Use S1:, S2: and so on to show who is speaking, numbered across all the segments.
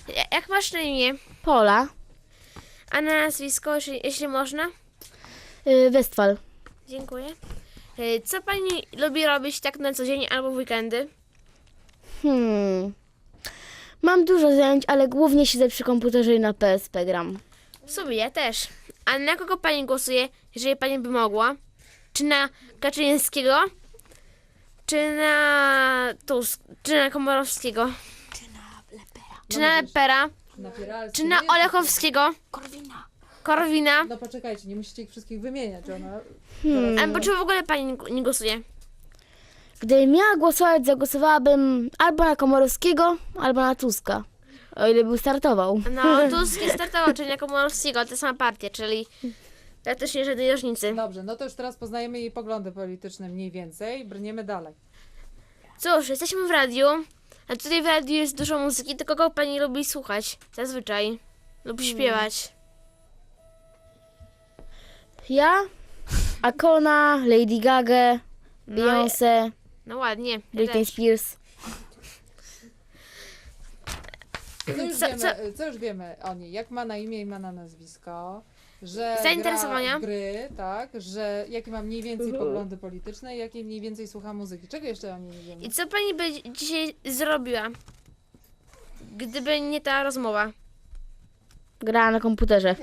S1: Jak masz na imię?
S2: Pola.
S1: A na nazwisko, jeśli można?
S2: Westfal.
S1: Dziękuję. Co pani lubi robić tak na co dzień albo w weekendy?
S2: Mam dużo zajęć, ale głównie siedzę przy komputerze i na PSP gram.
S1: W sumie ja też. A na kogo pani głosuje, jeżeli pani by mogła? Czy na Kaczyńskiego? Czy na Tusk? Czy na Komorowskiego? Czy na Lepera?
S3: Napieralski,
S1: Czy na
S3: nie?
S1: Olechowskiego? Korwina?
S3: No poczekajcie, nie musicie ich wszystkich wymieniać, ona...
S1: Albo czy w ogóle pani nie głosuje?
S2: Gdybym miała głosować, zagłosowałabym albo na Komorowskiego, albo na Tuska. O ile by startował.
S1: No, Tusk nie startował, czyli na Komorowskiego, ale to sama partia, czyli praktycznie żadnej różnicy.
S3: Dobrze, no to już teraz poznajemy jej poglądy polityczne mniej więcej, brniemy dalej.
S1: Cóż, jesteśmy w radiu, a tutaj w radiu jest dużo muzyki, to kogo pani lubi słuchać? Zazwyczaj. Lub śpiewać.
S2: Ja, Akona, Lady Gaga, Beyoncé,
S1: No ładnie. Ja
S2: Britney
S1: też.
S2: Spears.
S3: Co już wiemy o niej? Jak ma na imię i ma na nazwisko? Że
S1: Zainteresowania?
S3: gra w gry, tak? Że jakie ma mniej więcej poglądy polityczne i jakie mniej więcej słucha muzyki. Czego jeszcze o niej nie wiemy?
S1: I co pani by dzisiaj zrobiła, gdyby nie ta rozmowa?
S2: Grała na komputerze.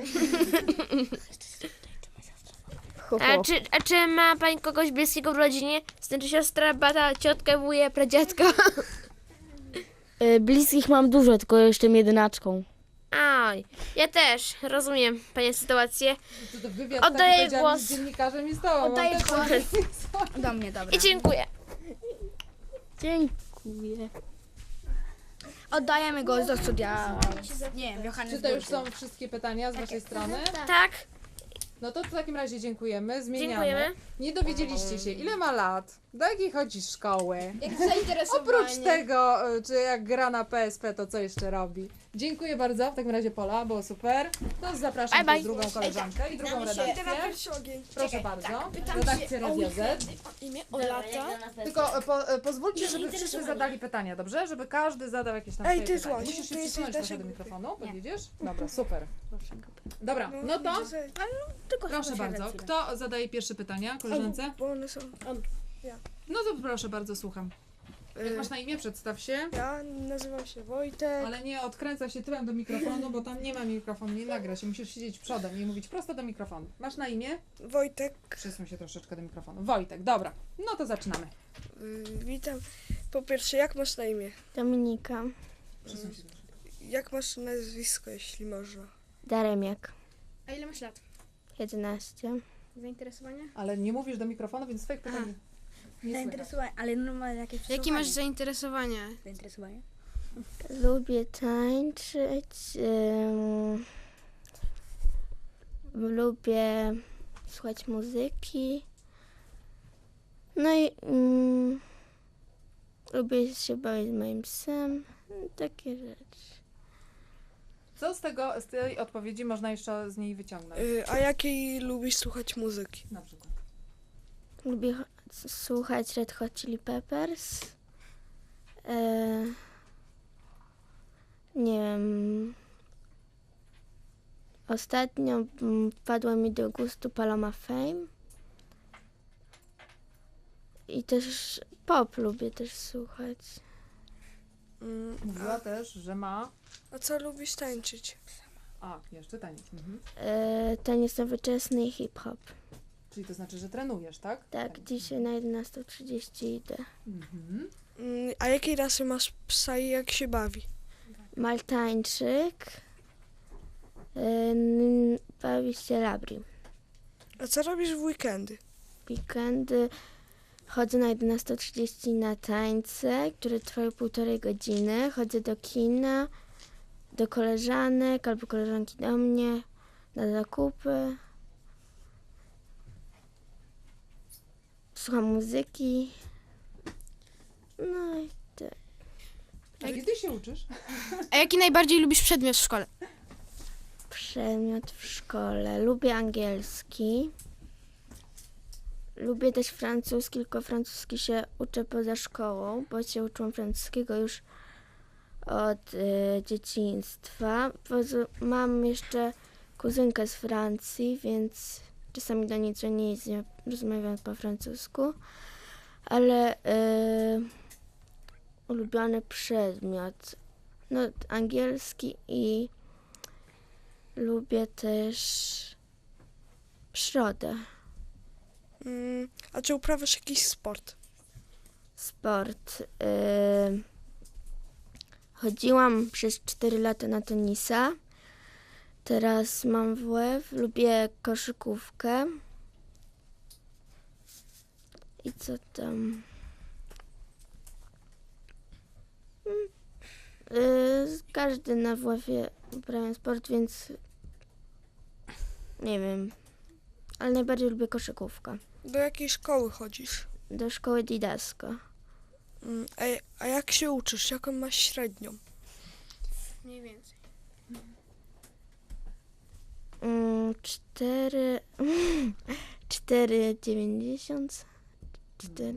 S1: A czy ma pani kogoś bliskiego w rodzinie? Znaczy siostra, brata, ciotkę, wuja, pradziadka?
S2: Bliskich mam dużo, tylko jestem jedynaczką.
S1: Aj, ja też, rozumiem pani sytuację.
S3: To wywiad
S1: Oddaję
S3: taki powiedziałam
S1: głos.
S3: z dziennikarzem i z tobą.
S4: Oddaję
S3: Mam też
S4: głos.
S3: takie-
S4: Do mnie, dobra.
S1: I dziękuję.
S2: Dziękuję.
S4: Oddajemy go do studia. Nie wiem, Johannes.
S3: Czy to już są wszystkie pytania z waszej strony?
S1: Tak,
S3: No to w takim razie dziękujemy, zmieniamy.
S1: dziękujemy.
S3: Nie dowiedzieliście się, ile ma lat, do jakiej chodzi szkoły.
S4: Jak zainteresowanie.
S3: Oprócz tego, czy jak gra na PSP, to co jeszcze robi. Dziękuję bardzo, w takim razie Pola, było super. To zapraszam
S1: Bye, bye.
S3: też drugą koleżankę i drugą redakcję. Proszę bardzo, redakcję Radia Z.
S5: Imię Olata.
S3: Tylko pozwólcie, żeby wszyscy zadali pytania, dobrze? Żeby każdy zadał jakieś tam swoje
S5: ty
S3: pytanie.
S5: złaś,
S3: Musisz się
S5: ty jesteś
S3: przysunąć trochę do
S5: naszym-
S3: mikrofonu, podjedziesz? Dobra, super. Dobra, no to proszę bardzo. Kto zadaje pierwsze pytania, koleżance?
S5: Bo one są.
S3: No to proszę bardzo, słucham. Jak masz na imię, przedstaw się.
S5: Ja nazywam się Wojtek.
S3: Ale nie odkręca się tyłem do mikrofonu, bo tam nie ma mikrofonu, nie nagra się. Musisz siedzieć przodem i mówić prosto do mikrofonu. Masz na imię?
S5: Wojtek.
S3: Przesuń się troszeczkę do mikrofonu. Wojtek, dobra. No to zaczynamy.
S5: Witam. Po pierwsze, jak masz na imię?
S2: Dominika.
S3: Przesuń się troszeczkę.
S5: Jak masz nazwisko, jeśli można?
S2: Daremiak.
S4: A ile masz lat?
S2: 11.
S4: Zainteresowania?
S3: Ale nie mówisz do mikrofonu, więc swoich pytań nie słychać.
S4: Zainteresowania, ale normalnie jakieś
S1: Jakie masz zainteresowania?
S4: zainteresowania?
S2: Lubię tańczyć. Lubię słuchać muzyki. No i lubię się bawić z moim psem. Takie rzeczy.
S3: Co z tej odpowiedzi można jeszcze z niej wyciągnąć?
S5: A jakiej lubisz słuchać muzyki?
S3: Na przykład.
S2: Lubię słuchać Red Hot Chili Peppers. Nie wiem. Ostatnio wpadła mi do gustu Paloma Fame. I też pop lubię też słuchać.
S3: Mówiła też, że ma...
S5: A co lubisz tańczyć?
S3: A, jeszcze tańczyć. Mhm.
S2: Taniec nowoczesny i hip-hop.
S3: Czyli to znaczy, że trenujesz, tak?
S2: Tak, dzisiaj na 11:30 idę.
S3: Mhm.
S5: A jakiej rasy masz psa i jak się bawi?
S2: Maltańczyk. Bawi się labri.
S5: A co robisz w weekendy?
S2: Weekendy chodzę na 11:30 na tańce, które trwają 1,5 godziny. Chodzę do kina, do koleżanek albo koleżanki do mnie, na zakupy. Słucham muzyki. No i tak.
S3: A kiedy się uczysz?
S1: A jaki najbardziej lubisz przedmiot w szkole?
S2: Przedmiot w szkole. Lubię angielski. Lubię też francuski, tylko francuski się uczę poza szkołą, bo się uczyłam francuskiego już od dzieciństwa. Mam jeszcze kuzynkę z Francji, więc czasami do niej dzwonię i z nią rozmawiam po francusku. Ale ulubiony przedmiot, no angielski i lubię też przyrodę,
S5: A czy uprawiasz jakiś sport?
S2: sport. Chodziłam przez 4 lata na tenisa, teraz mam WF, lubię koszykówkę. I co tam? Każdy na WF-ie uprawia sport, więc nie wiem, ale najbardziej lubię koszykówkę.
S5: Do jakiej szkoły chodzisz?
S2: Do szkoły Didasco.
S5: A jak się uczysz? Jaką masz średnią?
S4: Mniej więcej.
S2: 4,90. 4.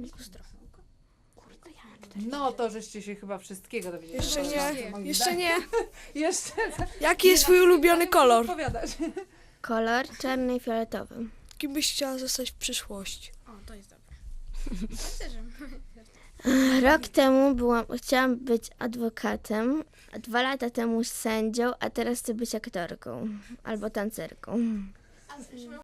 S3: No to żeście się chyba wszystkiego dowiedzieli.
S5: Jeszcze
S3: na
S5: nie,
S3: temat moich
S5: jeszcze
S3: zdań.
S5: nie.
S3: Jeszcze.
S5: Jaki jest twój ulubiony kolor?
S3: Odpowiadać.
S2: Kolor czarny i fioletowy.
S5: Kim byś chciała zostać w przyszłości?
S4: O, to jest dobre. Też.
S2: Rok temu chciałam być adwokatem, a 2 lata temu sędzią, a teraz chcę być aktorką albo tancerką.